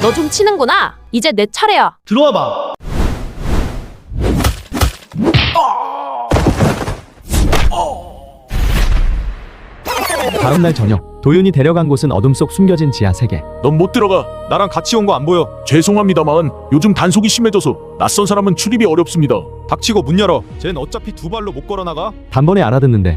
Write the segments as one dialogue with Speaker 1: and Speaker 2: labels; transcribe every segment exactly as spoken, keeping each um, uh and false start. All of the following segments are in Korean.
Speaker 1: 너 좀 치는구나. 이제 내 차례야.
Speaker 2: 들어와봐.
Speaker 3: 다음날 저녁, 도윤이 데려간 곳은 어둠 속 숨겨진 지하 세계.
Speaker 4: 넌 못 들어가. 나랑 같이 온 거 안 보여. 죄송합니다만 요즘 단속이 심해져서 낯선 사람은 출입이 어렵습니다.
Speaker 5: 닥치고 문 열어. 쟨 어차피 두 발로 못 걸어나가.
Speaker 3: 단번에 알아듣는데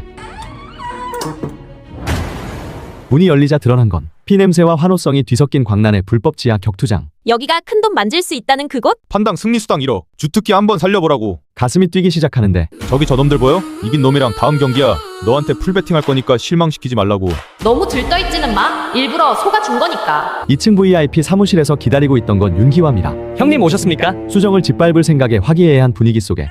Speaker 3: 문이 열리자 드러난 건 피냄새와 환호성이 뒤섞인 광란의 불법 지하 격투장.
Speaker 1: 여기가 큰돈 만질 수 있다는 그곳?
Speaker 5: 판당 승리수당 일억. 주특기 한번 살려보라고.
Speaker 3: 가슴이 뛰기 시작하는데
Speaker 5: 저기 저놈들 보여? 이긴 놈이랑 다음 경기야. 너한테 풀베팅 할 거니까 실망시키지 말라고.
Speaker 1: 너무 들떠있지는 마. 일부러 속아준 거니까.
Speaker 3: 이 층 브이아이피 사무실에서 기다리고 있던 건 윤기화입니다.
Speaker 2: 형님 오셨습니까?
Speaker 3: 수정을 짓밟을 생각에 화기애애한 분위기 속에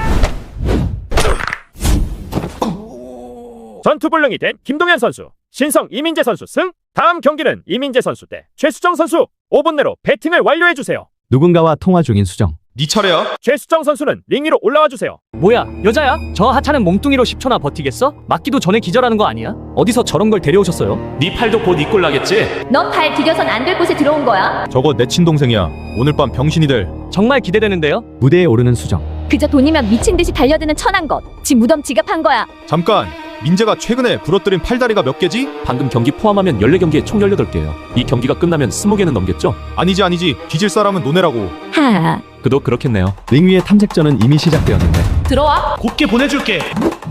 Speaker 6: 전투불능이 된 김동현 선수, 신성 이민재 선수 승. 다음 경기는 이민재 선수 대 최수정 선수. 오 분 내로 배팅을 완료해주세요.
Speaker 3: 누군가와 통화 중인 수정.
Speaker 5: 네 차례야.
Speaker 6: 최수정 선수는 링 위로 올라와주세요.
Speaker 2: 뭐야 여자야? 저 하찮은 몸뚱이로 십 초나 버티겠어? 맞기도 전에 기절하는 거 아니야? 어디서 저런 걸 데려오셨어요?
Speaker 4: 네 팔도 곧 이꼴 나겠지?
Speaker 1: 넌 발 디뎌선 안 될 곳에 들어온 거야.
Speaker 5: 저거 내 친동생이야. 오늘 밤 병신이 될.
Speaker 2: 정말 기대되는데요?
Speaker 3: 무대에 오르는 수정.
Speaker 1: 그저 돈이면 미친 듯이 달려드는 천한 것. 지 무덤 지갑한 거야.
Speaker 5: 잠깐. 민재가 최근에 부러뜨린 팔다리가 몇 개지?
Speaker 4: 방금 경기 포함하면 열네 경기에 총 열여덟 개예요. 이 경기가 끝나면 스무 개는 넘겠죠?
Speaker 5: 아니지 아니지. 뒤질 사람은 노네라고.
Speaker 1: 하.
Speaker 4: 그도 그렇겠네요.
Speaker 3: 링 위의 탐색전은 이미 시작되었는데
Speaker 1: 들어와.
Speaker 2: 곱게 보내줄게.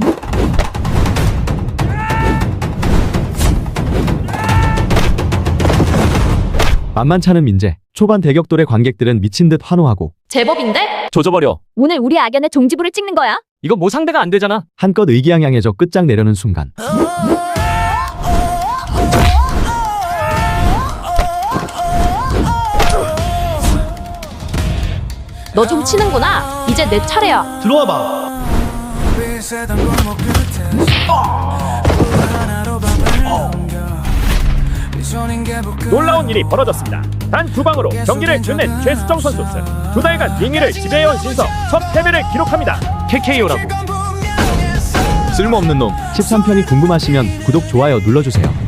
Speaker 3: 만만찮은 민재. 초반 대격돌의 관객들은 미친 듯 환호하고
Speaker 1: 제법인데?
Speaker 4: 조져버려.
Speaker 1: 오늘 우리 악연의 종지부를 찍는 거야.
Speaker 2: 이거 뭐 상대가 안 되잖아.
Speaker 3: 한껏 의기양양해져 끝장내려는 순간
Speaker 1: 너 좀 치는구나. 이제 내 차례야.
Speaker 2: 들어와봐.
Speaker 6: 놀라운 일이 벌어졌습니다. 단 두 방으로 경기를 끝낸 최수정 선수 승. 두 달간 링 위를 지배해온 신성 첫 패배를 기록합니다.
Speaker 2: 케이케이오라고.
Speaker 5: 쓸모없는 놈.
Speaker 3: 십삼 편이 궁금하시면 구독, 좋아요 눌러주세요.